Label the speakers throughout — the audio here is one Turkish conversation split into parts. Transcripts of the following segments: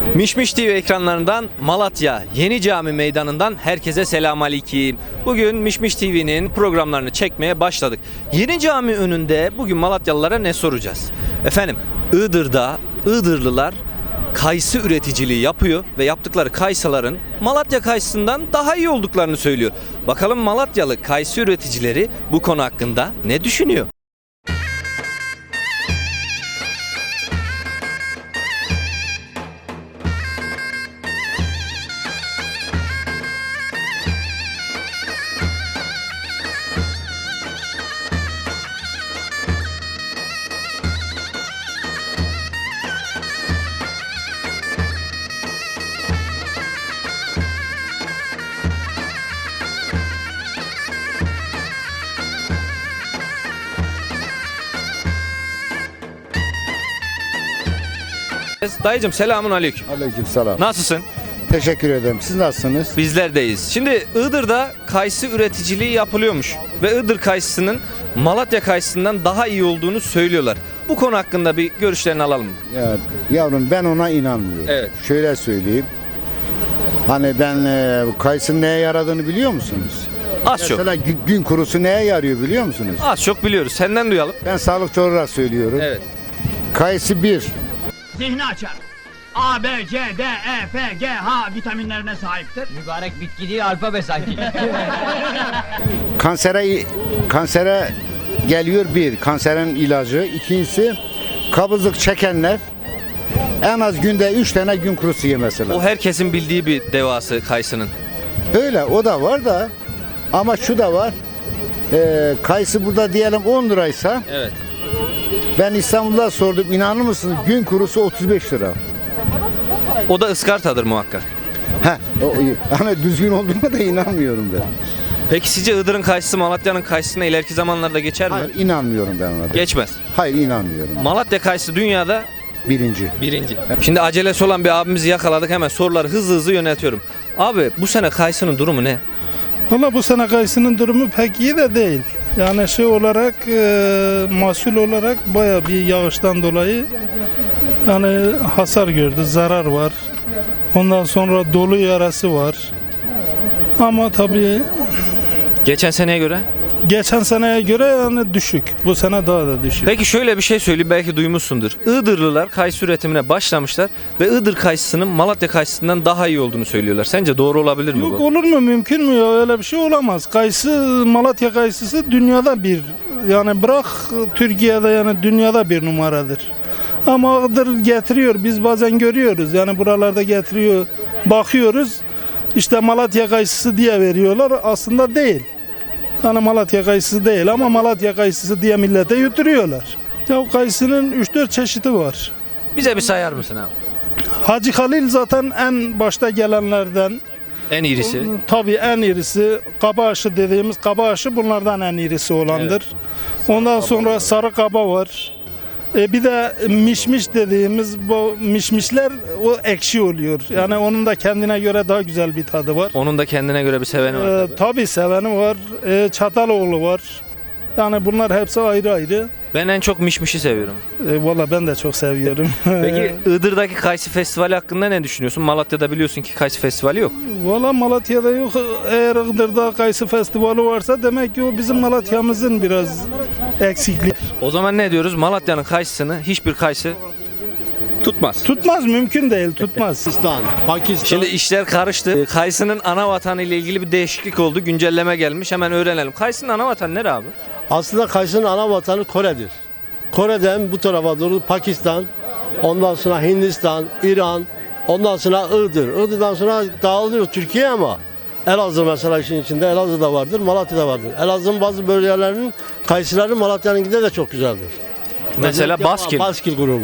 Speaker 1: Mişmiş TV ekranlarından Malatya Yeni Cami Meydanı'ndan herkese selamünaleyküm. Bugün Mişmiş TV'nin programlarını çekmeye başladık. Yeni Cami önünde bugün Malatyalılara ne soracağız? Efendim, Iğdır'da Iğdırlılar kayısı üreticiliği yapıyor ve yaptıkları kayısıların Malatya kayısından daha iyi olduklarını söylüyor. Bakalım Malatyalı kayısı üreticileri bu konu hakkında ne düşünüyor? Dayıcım selamun aleyküm.
Speaker 2: Aleykümselam.
Speaker 1: Nasılsın?
Speaker 2: Teşekkür ederim. Siz nasılsınız?
Speaker 1: Bizlerdeyiz. Şimdi Iğdır'da kayısı üreticiliği yapılıyormuş ve Iğdır kayısının Malatya kayısından daha iyi olduğunu söylüyorlar. Bu konu hakkında bir görüşlerini alalım mı?
Speaker 2: Ya, yavrum ben ona inanmıyorum.
Speaker 1: Evet.
Speaker 2: Şöyle söyleyeyim. Hani ben kayısının neye yaradığını biliyor musunuz?
Speaker 1: Az çok.
Speaker 2: Mesela gün kurusu neye yarıyor biliyor musunuz?
Speaker 1: Az çok biliyoruz. Senden duyalım.
Speaker 2: Ben sağlıkçı olarak söylüyorum.
Speaker 1: Evet.
Speaker 2: Kayısı bir.
Speaker 3: Zihni açar. A, B, C, D, E, F, G, H vitaminlerine sahiptir.
Speaker 4: Mübarek bitki değil alfabe sanki.
Speaker 2: Kansere geliyor bir. Kanserin ilacı. İkincisi kabızlık çekenler en az günde 3 tane gün kurusu yemesi lazım.
Speaker 1: O herkesin bildiği bir devası kayısının.
Speaker 2: Öyle o da var da ama şu da var. Kayısı burada diyelim 10 liraysa
Speaker 1: Evet.
Speaker 2: ben İstanbul'da sordum, inanır mısınız, gün kurusu 35 lira.
Speaker 1: O da ıskartadır muhakkak.
Speaker 2: Hani düzgün olduğuna da inanmıyorum ben.
Speaker 1: Peki sizce Iğdır'ın kayısı Malatya'nın kayısına ileriki zamanlarda geçer mi?
Speaker 2: Hayır, inanmıyorum ben ona da.
Speaker 1: Geçmez.
Speaker 2: Hayır, inanmıyorum.
Speaker 1: Malatya kayısı dünyada
Speaker 2: Birinci.
Speaker 1: birinci. Şimdi acelesi olan bir abimizi yakaladık, hemen soruları hızlı hızlı yöneltiyorum. Abi bu sene kayısının durumu ne?
Speaker 5: Valla bu sene kayısının durumu pek iyi de değil. Yani şey olarak mahsul olarak baya bir yağıştan dolayı yani hasar gördü, zarar var. Ondan sonra dolu yarası var. Ama tabii
Speaker 1: Geçen seneye göre?
Speaker 5: geçen seneye göre yani düşük. Bu sene daha da düşük.
Speaker 1: Peki şöyle bir şey söyleyeyim, belki duymuşsundur. Iğdırlılar kayısı üretimine başlamışlar ve Iğdır kayısının Malatya kayısından daha iyi olduğunu söylüyorlar. Sence doğru olabilir mi
Speaker 5: Yok,
Speaker 1: bu?
Speaker 5: olur mu, mümkün mü ya, öyle bir şey olamaz. Kayısı, Malatya kayısısı dünyada bir, yani bırak Türkiye'de, yani dünyada bir numaradır. Ama Iğdır getiriyor, biz bazen görüyoruz yani buralarda getiriyor, bakıyoruz işte Malatya kayısısı diye veriyorlar, aslında değil. Yani Malatya kayısısı değil ama Malatya kayısısı diye millete yutturuyorlar. Ya kayısının 3-4 çeşidi var.
Speaker 1: Bize bir sayar mısın abi?
Speaker 5: Hacı Halil zaten en başta gelenlerden.
Speaker 1: En iyisi.
Speaker 5: Tabii en irisi kabaşı dediğimiz, kabaşı bunlardan en irisi olandır. Ondan sonra sarı kaba var. Bir de mişmiş dediğimiz bu mişmişler o ekşi oluyor. Yani onun da kendine göre daha güzel bir tadı var.
Speaker 1: Onun da kendine göre bir seveni var.
Speaker 5: Tabii seveni var. Çataloğlu var. Yani bunlar hepsi ayrı ayrı.
Speaker 1: Ben en çok mişmişi seviyorum.
Speaker 5: Valla ben de çok seviyorum.
Speaker 1: Peki Iğdır'daki Kayısı Festivali hakkında ne düşünüyorsun? Malatya'da biliyorsun ki Kayısı Festivali yok.
Speaker 5: Valla Malatya'da yok. Eğer Iğdır'da kayısı festivali varsa demek ki o bizim Malatya'mızın biraz eksikliği.
Speaker 1: O zaman ne diyoruz? Malatya'nın kayısını hiçbir kayısı tutmaz.
Speaker 5: Tutmaz, mümkün değil, tutmaz.
Speaker 6: Pakistan.
Speaker 1: Şimdi işler karıştı. Kayısının ana vatanı ile ilgili bir değişiklik oldu. Güncelleme gelmiş. Hemen öğrenelim. Kayısının ana vatanı nere abi?
Speaker 6: Aslında kayısının ana vatanı Kore'dir. Kore'den bu tarafa doğru Pakistan, ondan sonra Hindistan, İran, ondan sonra Iğdır. Iğdır'dan sonra dağılıyor Türkiye ama Elazığ mesela işin içinde, Elazığ'da vardır, Malatya'da vardır. Elazığ'ın bazı bölgelerinin kayısıları Malatya'nınkinden de çok güzeldir.
Speaker 1: Mesela Baskil.
Speaker 6: Baskil grubu.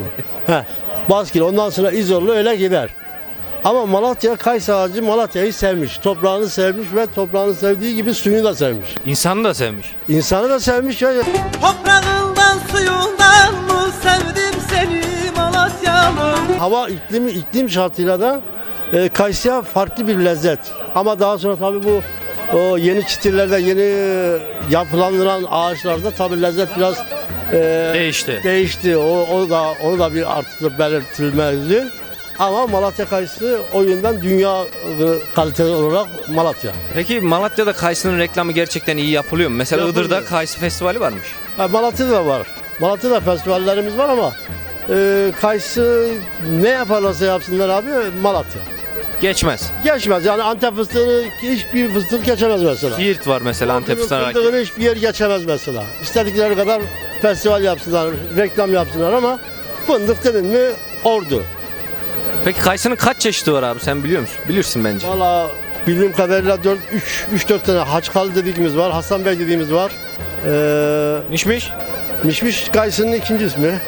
Speaker 6: Baskil, ondan sonra İzorlu öyle gider. Ama Malatya kayısı ağacı Malatya'yı sevmiş. Toprağını sevmiş ve toprağını sevdiği gibi suyunu da sevmiş.
Speaker 1: İnsanı da sevmiş.
Speaker 6: İnsanı da sevmiş ya.
Speaker 7: Toprağından suyundan mı sevdim seni Malatya'mın?
Speaker 6: Hava iklim şartıyla da kayısıya farklı bir lezzet. Ama daha sonra tabii bu o yeni çitirlerde, yeni yapılandıran ağaçlarda tabii lezzet biraz
Speaker 1: Değişti.
Speaker 6: değişti. Onu da bir artık belirtilmeli. ama Malatya kayısı o yönden dünya kaliteli olarak Malatya.
Speaker 1: Peki Malatya'da kayısının reklamı gerçekten iyi yapılıyor mu? Mesela
Speaker 6: Yapılıyor.
Speaker 1: Iğdır'da kayısı festivali varmış.
Speaker 6: Malatya'da da var. Malatya'da festivallerimiz var ama kayısı ne yaparlarsa yapsınlar abi Malatya.
Speaker 1: Geçmez.
Speaker 6: Geçmez yani Antep fıstığını hiçbir fıstık geçemez mesela.
Speaker 1: Siirt var mesela Antep fıstığına.
Speaker 6: Fındığını hiçbir yer geçemez mesela. İstedikleri kadar festival yapsınlar, reklam yapsınlar ama fındık dedin mi Ordu.
Speaker 1: Peki kayısının kaç çeşidi var abi sen biliyor musun? Bilirsin bence.
Speaker 6: Valla bildiğim kadarıyla 3-4 tane Haçkalı dediğimiz var, Hasan Bey dediğimiz var.
Speaker 1: Mişmiş?
Speaker 6: Mişmiş kayısının ikinci ismi.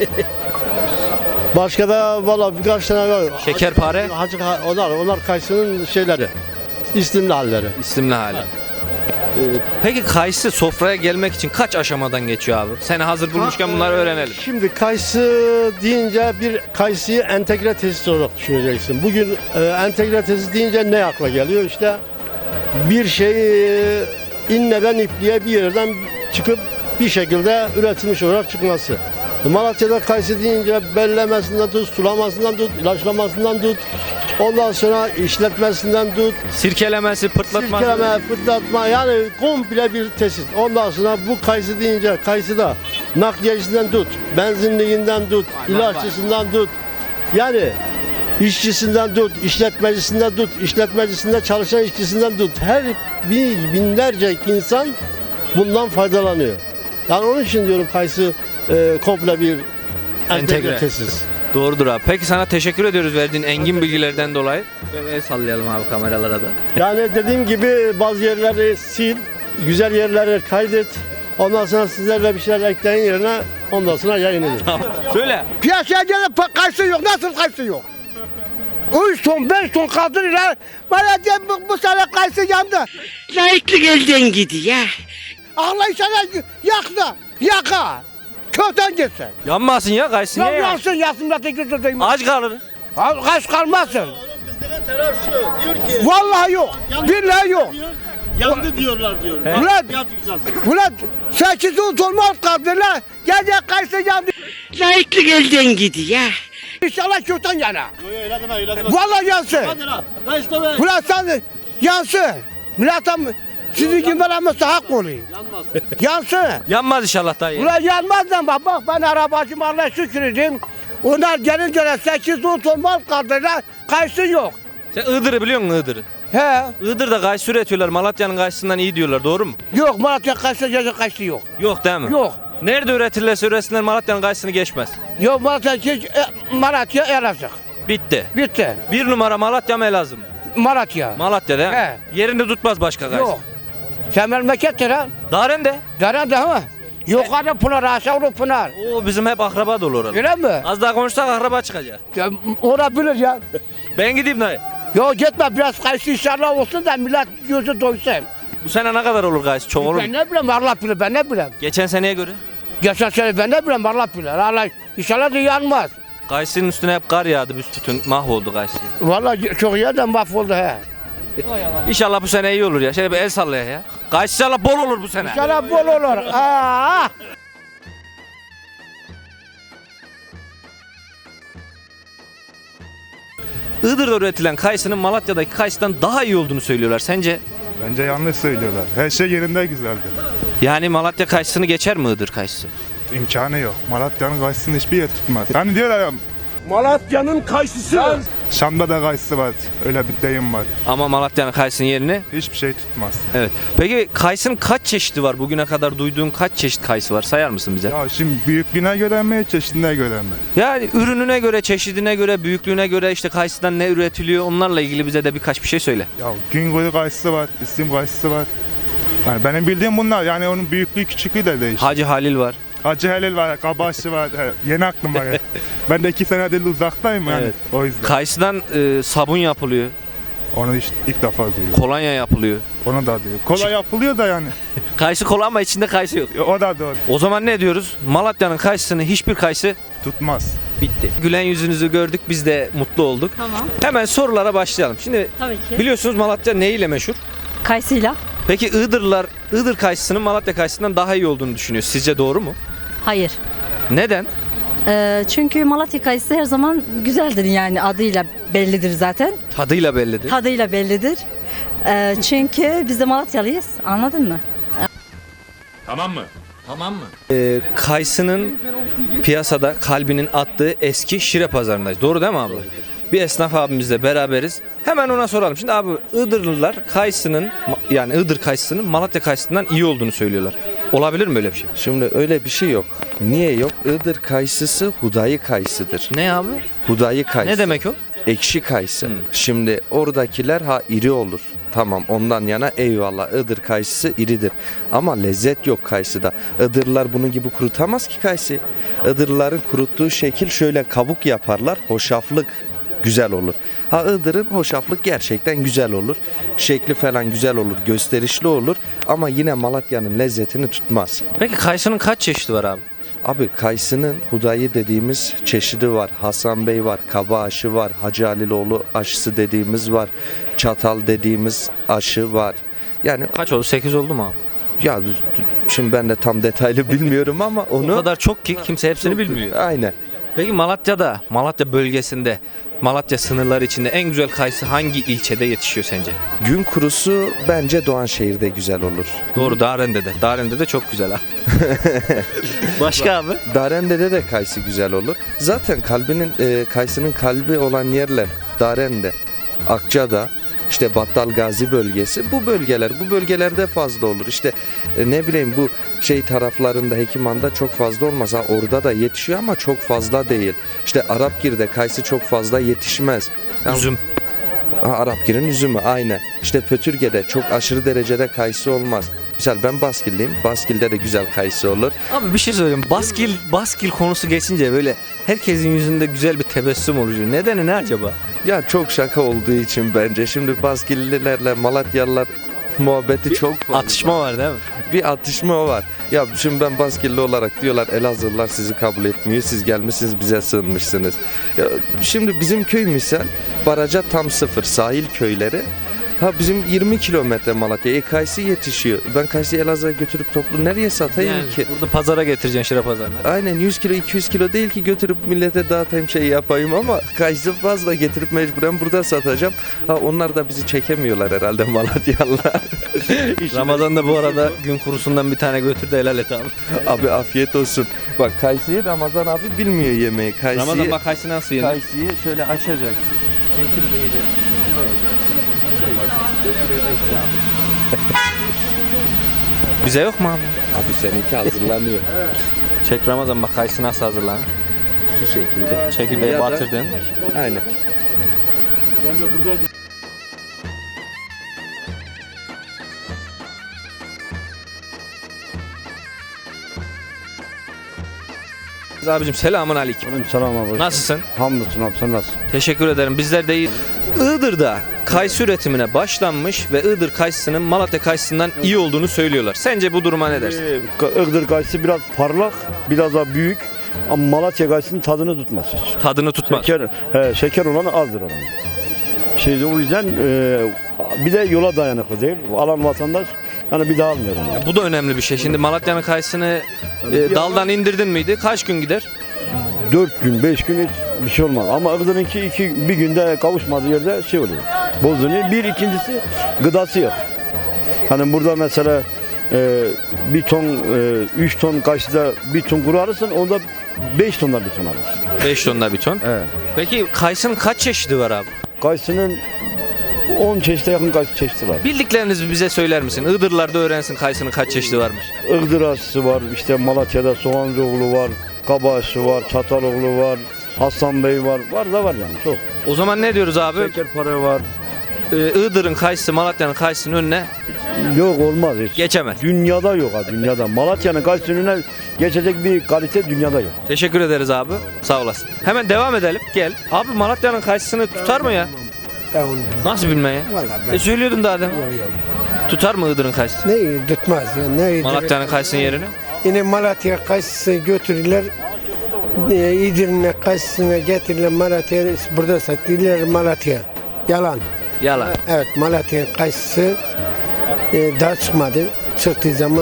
Speaker 6: Başka da valla birkaç tane var.
Speaker 1: Şekerpare?
Speaker 6: Onlar kayısının şeyleri, isimli halleri.
Speaker 1: İslimli hali. Peki kayısı sofraya gelmek için kaç aşamadan geçiyor abi? Seni hazır bulmuşken bunları öğrenelim.
Speaker 6: Şimdi kayısı deyince bir kayısıyı entegre tesis olarak düşüneceksin. Bugün entegre tesis deyince ne akla geliyor? İşte bir şeyi inneden ipliğe bir yerden çıkıp bir şekilde üretilmiş olarak çıkması. Malatya'da kayısı deyince bellemesinden tut, sulamasından tut, ilaçlamasından tut, ondan sonra işletmesinden tut,
Speaker 1: Sirkelemesi, pırtlatması.
Speaker 6: sirkeleme, fırlatma yani komple bir tesis. Ondan sonra bu kayısı deyince kayısı da nakliyecisinden tut, benzinliğinden tut, ilaççısından tut. Yani işçisinden tut, işletmecisinden tut, işletmecisinde çalışan işçisinden tut. Her binlerce insan bundan faydalanıyor. Yani onun için diyorum kayısı komple bir entegre tesis.
Speaker 1: Doğrudur abi. Peki sana teşekkür ediyoruz verdiğin engin bilgilerden dolayı. El sallayalım abi kameralara da.
Speaker 6: Yani dediğim gibi bazı yerleri sil, güzel yerleri kaydet. Ondan sonra sizlerle bir şeyler ekleyin yerine ondan sonra yayın edin.
Speaker 1: Söyle.
Speaker 8: Piyasaya gelip kayısı yok. Nasıl kayısı yok? 3 ton 5 ton kaldırırlar. Bana diye bu sene kayısı yandı.
Speaker 9: Layıklık elden gidiyor.
Speaker 8: Allah sana yaksa. Yaka. Kökten gitsin.
Speaker 1: Yanmasın ya kayısı.
Speaker 8: Ya
Speaker 1: Niye ya?
Speaker 8: yansın yansın da götürdüğüm.
Speaker 1: Aç kalır.
Speaker 8: Kaç kalmasın.
Speaker 6: Taraf şu diyor ki
Speaker 8: Vallahi yok. Billahi yok.
Speaker 6: yandı diyorlar diyor.
Speaker 8: Ulan, ulan 8-10 ton mal kaldırırlar. Gece kayısı yandı.
Speaker 9: Layıklık elden gidiyor.
Speaker 8: İnşallah kökten yana.
Speaker 6: Öyle deme öyle deme.
Speaker 8: Vallahi yansın.
Speaker 6: Hadi lan. Ben işte ben.
Speaker 8: Ulan sen yansın. Milletim sizin gibi veremezse hak oluyor.
Speaker 6: Yanmaz.
Speaker 8: Yansın.
Speaker 1: Yanmaz inşallah dayı.
Speaker 8: Ulan yanmaz lan bak ben arabacım Allah'a şükür edeyim. Onlar gelince 8-10 ton mal kaldırırlar. Kayısı yok.
Speaker 1: Sen Iğdır'ı biliyor musun Iğdır'ı?
Speaker 8: He.
Speaker 1: Iğdır'da kayısı üretiyorlar. Malatya'nın kayısından iyi diyorlar. Doğru mu?
Speaker 8: Yok Malatya kayısı gece kayısı yok.
Speaker 1: Yok değil mi?
Speaker 8: Yok.
Speaker 1: Nerede üretirlerse üretsinler Malatya'nın kayısını geçmez.
Speaker 8: Yok Malatya Elazığ.
Speaker 1: Bitti.
Speaker 8: Bitti.
Speaker 1: Bir numara Malatya mı Elazığ mı?
Speaker 8: Malatya.
Speaker 1: Malatya'da değil mi?
Speaker 8: He.
Speaker 1: Yerinde tutmaz başka kayısı.
Speaker 8: Yok. Sen memlekettir ha.
Speaker 1: Darende.
Speaker 8: Deren de ha. Yukarıda Pınar aşağıda Pınar.
Speaker 1: Oo bizim hep akraba dolu orada.
Speaker 8: Öyle mi?
Speaker 1: Az daha konuşsak akraba çıkacak.
Speaker 8: Ya, olabilir ya.
Speaker 1: Ben gideyim dayı.
Speaker 8: Yok gitme biraz kayısı inşallah olsun da millet gözü doysun.
Speaker 1: Bu sene ne kadar olur kayısı? Çok olur mu?
Speaker 8: Ben ne bileyim Allah bilir ben ne bileyim.
Speaker 1: Geçen seneye göre.
Speaker 8: Geçen sene ben ne bileyim Allah bilir. Allah inşallah da yanmaz.
Speaker 1: Kayısının üstüne hep kar yağdı büsbütün. Mahvoldu kayısı.
Speaker 8: Vallahi çok yerden mahvoldu he.
Speaker 1: İnşallah bu sene iyi olur ya. Şöyle bir el sallaya ya. Kayısı inşallah bol olur bu sene.
Speaker 8: İnşallah bol olur. Aa!
Speaker 1: Iğdır'da üretilen kayısının Malatya'daki kayısıdan daha iyi olduğunu söylüyorlar. Sence?
Speaker 10: Bence yanlış söylüyorlar. Her şey yerinde güzeldi.
Speaker 1: Yani Malatya kayısını geçer mi Iğdır kayısı?
Speaker 10: İmkanı yok. Malatya'nın kayısını hiçbir yer tutmaz. Hani diyorlar ya
Speaker 8: Malatya'nın kayısısı.
Speaker 10: Şam'da da kayısı var. Öyle bir deyim var.
Speaker 1: Ama Malatya'nın kayısının yerini
Speaker 10: Hiçbir şey tutmaz.
Speaker 1: evet. Peki kayısının kaç çeşidi var? Bugüne kadar duyduğun kaç çeşit kayısı var? Sayar mısın bize?
Speaker 10: Ya şimdi büyüklüğüne göre mi, çeşidine göre mi?
Speaker 1: Yani ürününe göre, çeşidine göre, büyüklüğüne göre işte kayısıdan ne üretiliyor onlarla ilgili bize de birkaç bir şey söyle.
Speaker 10: Ya Güngör kayısı var, İslim kayısı var. Yani benim bildiğim bunlar. Yani onun büyüklüğü küçüklüğü de değişir.
Speaker 1: Hacı Halil var.
Speaker 10: Hacı Helal var, Kabaşçı var. He, yeni aklım var. Ya. Ben de 2 senedir uzaktayım yani.
Speaker 1: Evet.
Speaker 10: O yüzden.
Speaker 1: Kayısıdan sabun yapılıyor,
Speaker 10: Onu işte ilk defa duyuyorum.
Speaker 1: kolonya yapılıyor.
Speaker 10: Onu da duyuyorum. Kolay yapılıyor da yani.
Speaker 1: Kayısı kola ama içinde kayısı yok.
Speaker 10: O da doğru.
Speaker 1: O zaman ne diyoruz? Malatya'nın kayısını hiçbir kayısı
Speaker 10: Tutmaz.
Speaker 1: bitti. Gülen yüzünüzü gördük biz de mutlu olduk.
Speaker 11: Tamam.
Speaker 1: Hemen sorulara başlayalım. Şimdi
Speaker 11: Tabii ki.
Speaker 1: biliyorsunuz Malatya neyle meşhur?
Speaker 11: Kayısıyla.
Speaker 1: Peki Iğdır kayısının Malatya kayısından daha iyi olduğunu düşünüyor. Sizce doğru mu?
Speaker 11: Hayır.
Speaker 1: Neden?
Speaker 11: Çünkü Malatya kayısı her zaman güzeldir, yani adıyla bellidir zaten.
Speaker 1: Tadıyla bellidir.
Speaker 11: Tadıyla bellidir. Çünkü biz de Malatyalıyız, anladın mı?
Speaker 1: Tamam mı? Kayısının piyasada kalbinin attığı eski Şire pazarındayız. Doğru değil mi abi? Bir esnaf abimizle beraberiz. Hemen ona soralım. Şimdi abi Iğdırlılar kayısının, yani Iğdır kayısının Malatya kayısından iyi olduğunu söylüyorlar. Olabilir mi öyle bir şey?
Speaker 12: Şimdi öyle bir şey yok. Niye yok? Iğdır kayısısı hudayi kayısıdır.
Speaker 1: Ne abi?
Speaker 12: Hudayi kayısı.
Speaker 1: Ne demek o?
Speaker 12: Ekşi kayısı. Şimdi oradakiler iri olur. Tamam, ondan yana eyvallah, Iğdır kayısı iridir. Ama lezzet yok kayısıda. Iğdırlılar bunun gibi kurutamaz ki kayısı. Iğdırlıların kuruttuğu şekil şöyle kabuk yaparlar. Hoşaflık güzel olur. Iğdır'ın hoşaflık gerçekten güzel olur. Şekli falan güzel olur, gösterişli olur. Ama yine Malatya'nın lezzetini tutmaz.
Speaker 1: Peki kayısının kaç çeşidi var abi?
Speaker 12: Abi kayısının hudayi dediğimiz çeşidi var. Hasan Bey var, kaba aşı var, Hacı Haliloğlu aşısı dediğimiz var. Çatal dediğimiz aşı var. Yani
Speaker 1: Kaç oldu? 8 oldu mu abi?
Speaker 12: ya şimdi ben de tam detaylı bilmiyorum ama onu
Speaker 1: O kadar çok ki kimse hepsini bilmiyor.
Speaker 12: aynen.
Speaker 1: Peki Malatya'da, Malatya bölgesinde, Malatya sınırları içinde en güzel kayısı hangi ilçede yetişiyor sence?
Speaker 12: Gün kurusu bence Doğanşehir'de güzel olur.
Speaker 1: Doğru, Darende'de. Darende'de çok güzel ha. Başka abi?
Speaker 12: Darende'de de kayısı güzel olur. Zaten kayısının kalbi olan yerler Darende, Akça'da, işte Battal Gazi bölgesi, bu bölgelerde fazla olur. İşte ne bileyim bu taraflarında, Hekiman'da çok fazla olmaz. Orada da yetişiyor ama çok fazla değil. İşte Arapgir'de kayısı çok fazla yetişmez.
Speaker 1: Üzüm.
Speaker 12: Arapgir'in üzümü aynen. İşte Pötürge'de çok aşırı derecede kayısı olmaz. Misal ben Baskilliyim. Baskil'de de güzel kayısı olur.
Speaker 1: Abi bir şey söyleyeyim. Baskil konusu geçince böyle herkesin yüzünde güzel bir tebessüm oluşuyor. Nedeni ne acaba?
Speaker 12: Ya çok şaka olduğu için bence. Şimdi Baskillilerle Malatyalılar muhabbeti çok fazla.
Speaker 1: Atışma var değil mi?
Speaker 12: Bir atışma var. Ya şimdi ben Baskilli olarak diyorlar Elazığlılar sizi kabul etmiyor. Siz gelmişsiniz bize sığınmışsınız. Ya şimdi bizim köy misal baraja tam sıfır sahil köyleri. Bizim 20 kilometre Malatya. Kayısı yetişiyor. Ben kayısıyı Elazığ'a götürüp toplu nereye satayım ki?
Speaker 1: Burada pazara getireceksin, Şire pazarına.
Speaker 12: Aynen 100 kilo 200 kilo değil ki götürüp millete dağıtayım yapayım ama kayısı fazla getirip mecburen burada satacağım. Onlar da bizi çekemiyorlar herhalde Malatyalılar.
Speaker 1: Ramazan'da bu arada gün kurusundan bir tane götür de helal et abi.
Speaker 12: Abi afiyet olsun. Bak kayısıyı Ramazan abi bilmiyor yemeği.
Speaker 1: Ramazan bak kayısı nasıl yenir?
Speaker 12: Kayısıyı şöyle açacaksın.
Speaker 1: Bize yok mu abi?
Speaker 12: Abi seninki hazırlanıyor.
Speaker 1: Çek Ramazan bak kayısı nasıl hazırlanır?
Speaker 12: Şu şekilde.
Speaker 1: Çekirdeği
Speaker 12: Ya da-
Speaker 1: batırdın.
Speaker 12: Aynen.
Speaker 1: Abicim selamun aleyküm.
Speaker 6: Selam abi.
Speaker 1: Nasılsın?
Speaker 6: Hamdolsun abi, sen nasılsın?
Speaker 1: Teşekkür ederim. Bizler de iyi. Iğdır'da kayısı üretimine başlanmış ve Iğdır kayısının Malatya kayısından iyi olduğunu söylüyorlar. Sence bu duruma ne dersin?
Speaker 6: Iğdır kayısı biraz parlak, biraz daha büyük ama Malatya kayısının tadını tutmaz hiç.
Speaker 1: Tadını tutmaz.
Speaker 6: Şeker olanı azdır oranı. O yüzden bir de yola dayanıklı değil. Alan vatandaş yani bir daha almıyor onu.
Speaker 1: Bu da önemli bir şey. Şimdi Malatya'nın kayısını daldan indirdin miydi? Kaç gün gider?
Speaker 6: 4 gün, 5 gün hiç bir şey olmaz. Ama Iğdır'ınki bir günde kavuşmadığı yerde oluyor. Bozuluyor. İkincisi gıdası yok. Hani burada mesela bir ton, 3 ton kayısıda bir ton kuru alırsın, onda 5 tonda bir ton alırsın.
Speaker 1: 5 tonda bir ton.
Speaker 6: Evet.
Speaker 1: Peki kayısının kaç çeşidi var abi?
Speaker 6: Kayısının 10 çeşite yakın kayısı çeşidi var.
Speaker 1: Bildiklerinizi bize söyler misin? Iğdırlarda öğrensin kayısının kaç çeşidi varmış.
Speaker 6: Iğdır aşısı var, işte Malatya'da Soğancıoğlu var, Kaba aşısı var, Çataloğlu var, Hasan Bey var, var yani çok.
Speaker 1: O zaman ne diyoruz abi?
Speaker 6: Şekerpare var.
Speaker 1: Iğdır'ın kayısı Malatya'nın kayısının önüne
Speaker 6: Yok, olmaz hiç.
Speaker 1: geçemez.
Speaker 6: Dünyada yok ha, dünyada. Malatya'nın kayısının önüne geçecek bir kalite dünyada yok.
Speaker 1: Teşekkür ederiz abi. Sağ olasın. Hemen devam edelim. Gel. Abi Malatya'nın kayısını tutar mı ya? Nasıl bilme ya?
Speaker 8: Vallahi
Speaker 1: Söylüyordun daha demin. Tutar mı Iğdır'ın kayısı?
Speaker 8: ne tutmaz ya, ne
Speaker 1: Malatya'nın kayısının yerini?
Speaker 8: Yine Malatya kayısısı götürürler. İdirne kayısısına getirirler Malatya'ya, burada satıyorlar Malatya. Yalan.
Speaker 1: Yalan.
Speaker 8: Evet, Malatya kayısısı daha çıkmadı. Çıktığı zaman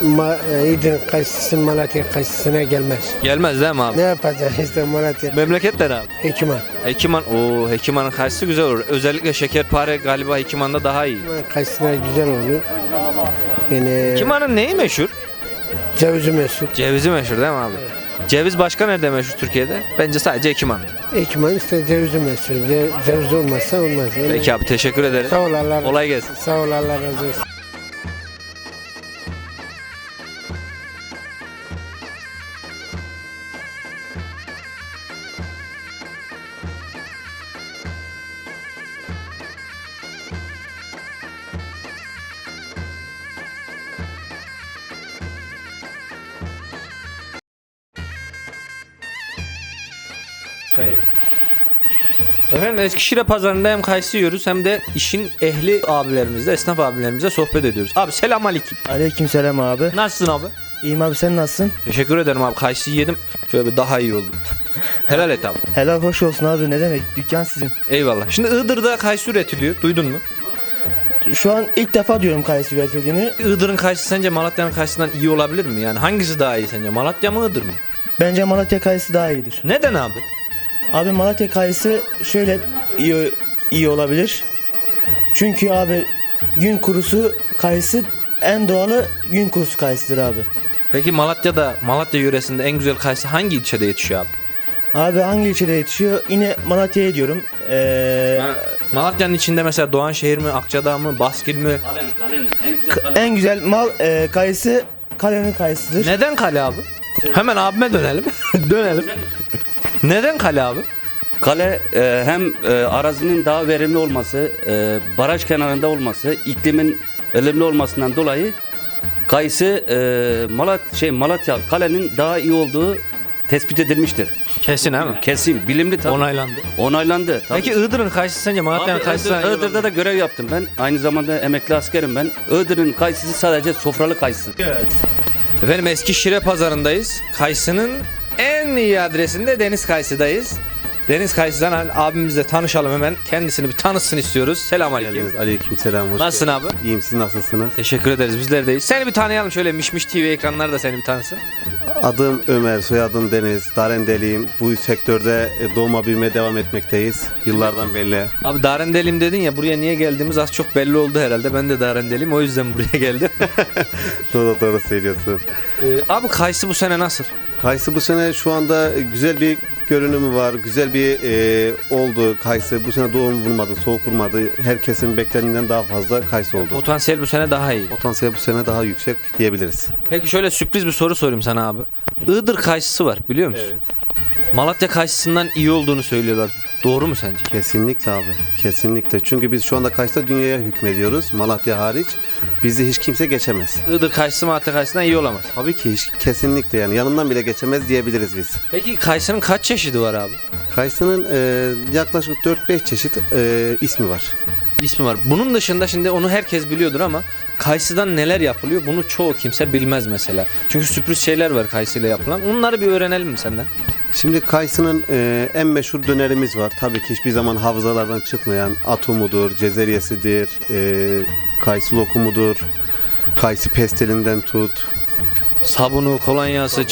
Speaker 8: İdin kayısısı Malatya kayısısına gelmez.
Speaker 1: Gelmez değil mi abi?
Speaker 8: Ne yapacağız işte Malatya?
Speaker 1: Memleketler abi.
Speaker 8: Hekiman.
Speaker 1: Hekiman, Hekiman'ın kayısı güzel olur. Özellikle şekerpare galiba Hekiman'da daha iyi.
Speaker 8: Kayısına güzel olur. Yani
Speaker 1: Hekiman'ın neyi meşhur?
Speaker 8: cevizi meşhur.
Speaker 1: Cevizi meşhur değil mi abi? Ceviz başka nerede meşhur Türkiye'de? Bence sadece Hekiman'da.
Speaker 8: Hekiman işte cevizi meşhur. Ceviz olmazsa olmaz. Yani.
Speaker 1: Peki abi teşekkür ederim.
Speaker 8: Sağ ol Allah.
Speaker 1: Kolay gelsin.
Speaker 8: Sağ ol Allah razı olsun.
Speaker 1: Efendim Eskişehir pazarında hem kayısı yiyoruz hem de işin ehli abilerimizle, esnaf abilerimizle sohbet ediyoruz. Abi selam aleyküm.
Speaker 13: Aleykümselam abi.
Speaker 1: Nasılsın abi?
Speaker 13: İyiyim abi, sen nasılsın?
Speaker 1: Teşekkür ederim abi. Kayısı yedim. Şöyle bir daha iyi oldum. Helal et abi.
Speaker 13: Helal hoş olsun abi, ne demek, dükkan sizin.
Speaker 1: Eyvallah. Şimdi Iğdır'da kayısı üretiliyor. Duydun mu?
Speaker 13: Şu an ilk defa diyorum kayısı üretildiğini.
Speaker 1: Iğdır'ın kayısı sence Malatya'nın kayısından iyi olabilir mi? Yani hangisi daha iyi sence? Malatya mı Iğdır mı?
Speaker 13: Bence Malatya kayısı daha iyidir.
Speaker 1: Neden abi?
Speaker 13: Abi Malatya kayısı şöyle iyi olabilir. Çünkü abi gün kurusu kayısı en doğalı gün kurusu kayısıdır abi.
Speaker 1: Peki Malatya yöresinde en güzel kayısı hangi ilçede yetişiyor abi?
Speaker 13: Abi hangi ilçede yetişiyor? Yine Malatya'ya diyorum.
Speaker 1: Malatya'nın içinde mesela Doğanşehir mi, Akçadağ mı, Baskil mi?
Speaker 13: En güzel mal kayısı Kale'nin kayısıdır.
Speaker 1: Neden Kale abi? Hemen abime dönelim. Dönelim. Neden Kale abi?
Speaker 14: Kale hem arazinin daha verimli olması, baraj kenarında olması, iklimin verimli olmasından dolayı kayısı Malatya Kale'nin daha iyi olduğu tespit edilmiştir.
Speaker 1: Kesin ha mi?
Speaker 14: Kesin, bilimli tabii.
Speaker 1: Onaylandı.
Speaker 14: Onaylandı. Tabii.
Speaker 1: Peki Iğdır'ın kayısı sence Malatya'nın kayısından iyi
Speaker 14: Iğdır'da
Speaker 1: olabilir
Speaker 14: da görev yaptım ben. Aynı zamanda emekli askerim ben. Iğdır'ın kayısısı sadece sofralı kayısı.
Speaker 1: Efendim Eskişehir pazarındayız. Kayısının en iyi adresinde Deniz Kayısı'dayız. Deniz Kayısı'dan abimizle tanışalım hemen. Kendisini bir tanıtsın istiyoruz. Selamünaleyküm.
Speaker 15: Aleykümselam.
Speaker 1: Nasılsın abi?
Speaker 15: İyiyim, siz nasılsınız?
Speaker 1: Teşekkür ederiz, bizler deyiz. Seni bir tanıyalım şöyle, Mişmiş TV ekranları da seni bir tanısın.
Speaker 15: Adım Ömer, soyadım Deniz, Darendeliyim. Bu sektörde doğma büyüme devam etmekteyiz. Yıllardan belli.
Speaker 1: Abi Darendeliyim dedin ya, buraya niye geldiğimiz az çok belli oldu herhalde. Ben de Darendeliyim, o yüzden buraya geldim.
Speaker 15: Doğru söylüyorsun.
Speaker 1: Abi kayısı bu sene nasıl?
Speaker 15: Kayısı bu sene şu anda güzel bir görünümü var. Güzel bir oldu kayısı. Bu sene doğum vurmadı, soğuk vurmadı. Herkesin beklediğinden daha fazla kayısı oldu.
Speaker 1: Potansiyel bu sene daha iyi.
Speaker 15: Potansiyel bu sene daha yüksek diyebiliriz.
Speaker 1: Peki şöyle sürpriz bir soru sorayım sana abi. Iğdır kayısısı var biliyor musun?
Speaker 15: Evet.
Speaker 1: Malatya kayısısından iyi olduğunu söylüyorlar. Doğru mu sence?
Speaker 15: Kesinlikle abi. Kesinlikle. Çünkü biz şu anda kayısıda dünyaya hükmediyoruz. Malatya hariç. Bizi hiç kimse geçemez.
Speaker 1: Iğdır kayısı Malatya kayısından iyi olamaz.
Speaker 15: Tabii ki kesinlikle yani yanından bile geçemez diyebiliriz biz.
Speaker 1: Peki kayısının kaç çeşidi var abi?
Speaker 15: Kayısının yaklaşık 4-5 çeşit ismi var.
Speaker 1: İsmi var. Bunun dışında şimdi onu herkes biliyordur ama kayısıdan neler yapılıyor bunu çoğu kimse bilmez mesela. Çünkü sürpriz şeyler var kayısıyla yapılan. Onları bir öğrenelim mi senden?
Speaker 15: Şimdi kayısının en meşhur dönerimiz var. Tabii ki hiçbir zaman hafızalardan çıkmayan atumudur, cezeryesidir, kayısı lokumudur, kayısı pestilinden tut.
Speaker 1: Sabunu, kolonyası,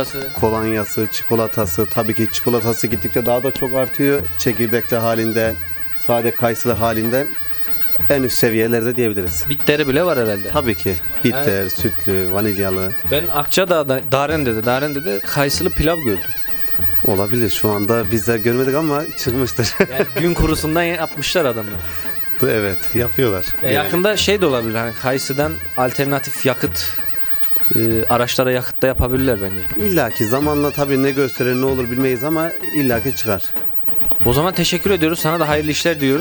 Speaker 15: çikolatası. Tabii ki çikolatası gittikçe daha da çok artıyor. Çekirdekli halinden, sade kayısılı halinden en üst seviyelerde diyebiliriz.
Speaker 1: Bitteri bile var herhalde.
Speaker 15: Tabii ki. Bitter, sütlü, vanilyalı.
Speaker 1: Ben Akçadağ'da, Darende'de kayısılı pilav gördüm.
Speaker 15: Olabilir. Şu anda biz de görmedik ama çıkmıştır.
Speaker 1: Yani gün kurusundan yapmışlar adamlar.
Speaker 15: Evet, yapıyorlar.
Speaker 1: Yakında şey de olabilir. Hani kayısıdan alternatif yakıt araçlara yakıt da yapabilirler bence.
Speaker 15: İlla ki zamanla tabii ne gösterir ne olur bilmeyiz ama illa ki çıkar.
Speaker 1: O zaman teşekkür ediyoruz. Sana da hayırlı işler diyoruz.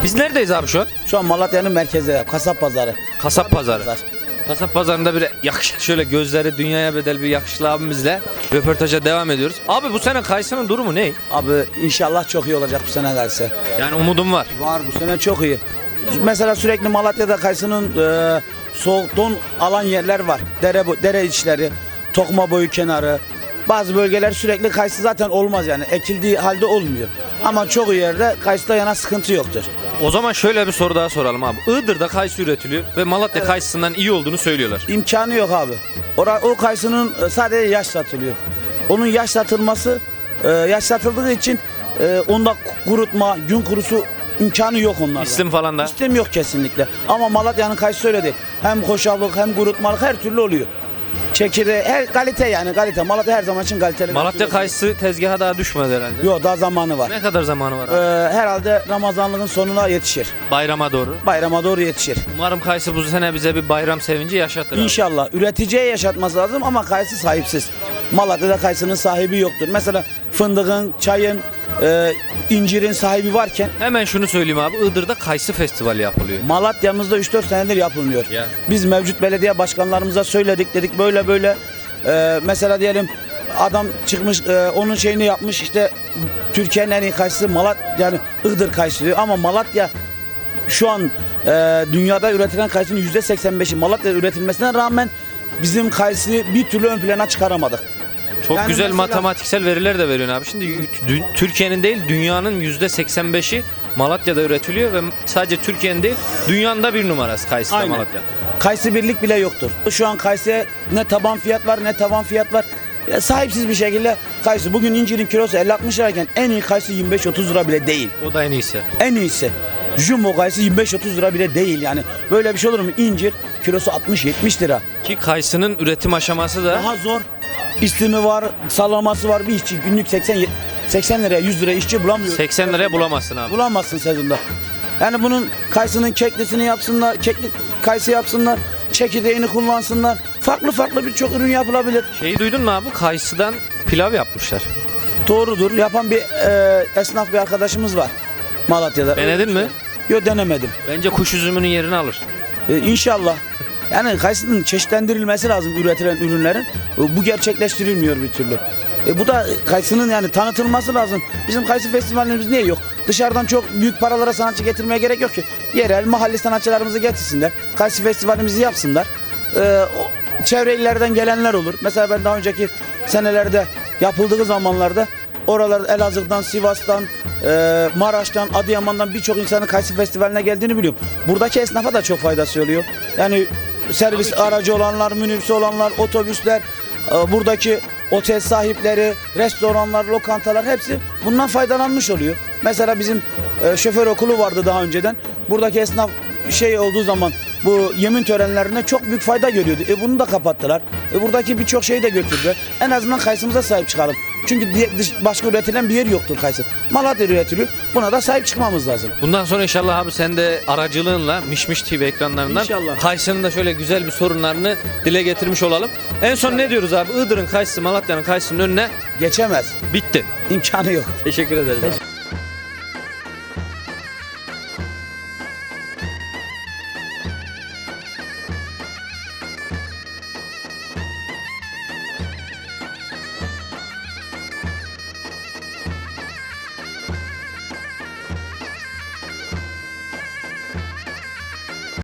Speaker 1: Biz neredeyiz abi şu an?
Speaker 16: Şu an Malatya'nın merkezinde, kasap pazarı.
Speaker 1: Kasap pazarı. Kasap pazarında bir yakışıklı, şöyle gözleri dünyaya bedel bir yakışıklı abimizle röportaja devam ediyoruz. Abi bu sene kayısının durumu ne?
Speaker 16: Abi inşallah çok iyi olacak bu sene kayısı.
Speaker 1: Yani umudum var.
Speaker 16: Var, bu sene çok iyi. Mesela sürekli Malatya'da kayısının soğuk don alan yerler var. Dere içleri, Tokma boyu kenarı. Bazı bölgeler sürekli kayısı zaten olmaz yani. Ekildiği halde olmuyor. Ama çoğu yerde kayısıda yana sıkıntı yoktur.
Speaker 1: O zaman şöyle bir soru daha soralım abi. Iğdır'da kayısı üretiliyor ve Malatya kayısından iyi olduğunu söylüyorlar.
Speaker 16: İmkanı yok abi. O kayısının sadece yaş satılıyor. Onun yaş satıldığı için onda kurutma, gün kurusu imkanı yok onlarda.
Speaker 1: İslim falan da.
Speaker 16: İslim yok kesinlikle. Ama Malatya'nın kayısı öyle değil. Hem koşarlık hem kurutmalık her türlü oluyor. Çekirdeği, her kalite yani kalite. Malatya her zaman için kaliteli.
Speaker 1: Malatya kayısı tezgaha daha düşmedi herhalde.
Speaker 16: Yok, daha zamanı var.
Speaker 1: Ne kadar zamanı var abi?
Speaker 16: Herhalde Ramazanlığın sonuna yetişir.
Speaker 1: Bayrama doğru.
Speaker 16: Bayrama doğru yetişir.
Speaker 1: Umarım kayısı bu sene bize bir bayram sevinci yaşatır abi.
Speaker 16: İnşallah. Üreticiye yaşatması lazım ama kayısı sahipsiz. Malatya'da kayısının sahibi yoktur. Mesela fındığın, çayın, incirin sahibi varken.
Speaker 1: Hemen şunu söyleyeyim abi. Iğdır'da kayısı festivali yapılıyor.
Speaker 16: Malatya'mızda 3-4 senedir yapılmıyor.
Speaker 1: Ya.
Speaker 16: Biz mevcut belediye başkanlarımıza söyledik, dedik böyle böyle. Mesela diyelim adam çıkmış onun şeyini yapmış, işte Türkiye'nin en iyi kayısı Malatya, yani Iğdır kayısı diyor ama Malatya şu an dünyada üretilen kayısının %85'i Malatya'da üretilmesine rağmen bizim kayısıyı bir türlü ön plana çıkaramadık.
Speaker 1: Çok
Speaker 16: Yani
Speaker 1: güzel
Speaker 16: mesela-
Speaker 1: matematiksel veriler de veriyorsun abi. Şimdi Türkiye'nin değil dünyanın %85'i Malatya'da üretiliyor ve sadece Türkiye'nin değil dünyanın da bir numarası kayısı da
Speaker 16: Aynen.
Speaker 1: Malatya.
Speaker 16: Kayısı birlik bile yoktur. Şu an kayısıya ne taban fiyat var ne tavan fiyat var. Ya sahipsiz bir şekilde kayısı. Bugün incirin kilosu 50-60 lirayken en iyi kayısı 25-30 lira bile değil.
Speaker 1: O da en iyisi.
Speaker 16: En iyisi. Jumbo kayısı 25-30 lira bile değil yani. Böyle bir şey olur mu? İncir kilosu 60-70 lira.
Speaker 1: Ki kayısının üretim aşaması da
Speaker 16: Daha zor. İslimi var, salaması var. Bir işçi günlük 80 liraya 100 liraya işçi bulamıyor.
Speaker 1: 80 liraya bulamazsın abi.
Speaker 16: Bulamazsın sezonda. Yani bunun kayısının keklisini yapsınlar, kekli kayısı yapsınlar, çekirdeğini kullansınlar. Farklı birçok ürün yapılabilir.
Speaker 1: Şeyi duydun mu abi? Kayısıdan pilav yapmışlar.
Speaker 16: Doğrudur. Yapan bir esnaf bir arkadaşımız var Malatya'da.
Speaker 1: Denedin mi?
Speaker 16: Yok, denemedim.
Speaker 1: Bence kuş üzümünün yerini alır.
Speaker 16: İnşallah. Yani kayısının çeşitlendirilmesi lazım üretilen ürünlerin. Bu gerçekleştirilmiyor bir türlü. Bu da kayısının yani tanıtılması lazım. Bizim kayısı festivalimiz niye yok? Dışarıdan çok büyük paralara sanatçı getirmeye gerek yok ki. Yerel, mahalli sanatçılarımızı getirsinler. Kayısı festivalimizi yapsınlar. Çevre illerden gelenler olur. Mesela ben daha önceki senelerde yapıldığı zamanlarda oralarda Elazığ'dan, Sivas'tan, Maraş'tan, Adıyaman'dan birçok insanın kayısı festivaline geldiğini biliyorum. Buradaki esnafa da çok faydası oluyor. Yani servis aracı olanlar, minibüsü olanlar, otobüsler, buradaki otel sahipleri, restoranlar, lokantalar hepsi bundan faydalanmış oluyor. Mesela bizim şoför okulu vardı daha önceden. Buradaki esnaf şey olduğu zaman bu yemin törenlerine çok büyük fayda görüyordu. Bunu da kapattılar. Buradaki birçok şeyi de götürdüler. En azından kayısımıza sahip çıkalım. Çünkü başka üretilen bir yer yoktur kayısı. Malatya üretiliyor. Buna da sahip çıkmamız lazım.
Speaker 1: Bundan sonra inşallah abi sen de aracılığınla Mişmiş TV ekranlarından
Speaker 16: İnşallah.
Speaker 1: kayısının da şöyle güzel bir sorunlarını dile getirmiş olalım. En son ne diyoruz abi? Iğdır'ın kayısı Malatya'nın kayısının önüne
Speaker 16: geçemez.
Speaker 1: Bitti.
Speaker 16: İmkanı yok.
Speaker 1: Teşekkür ederiz.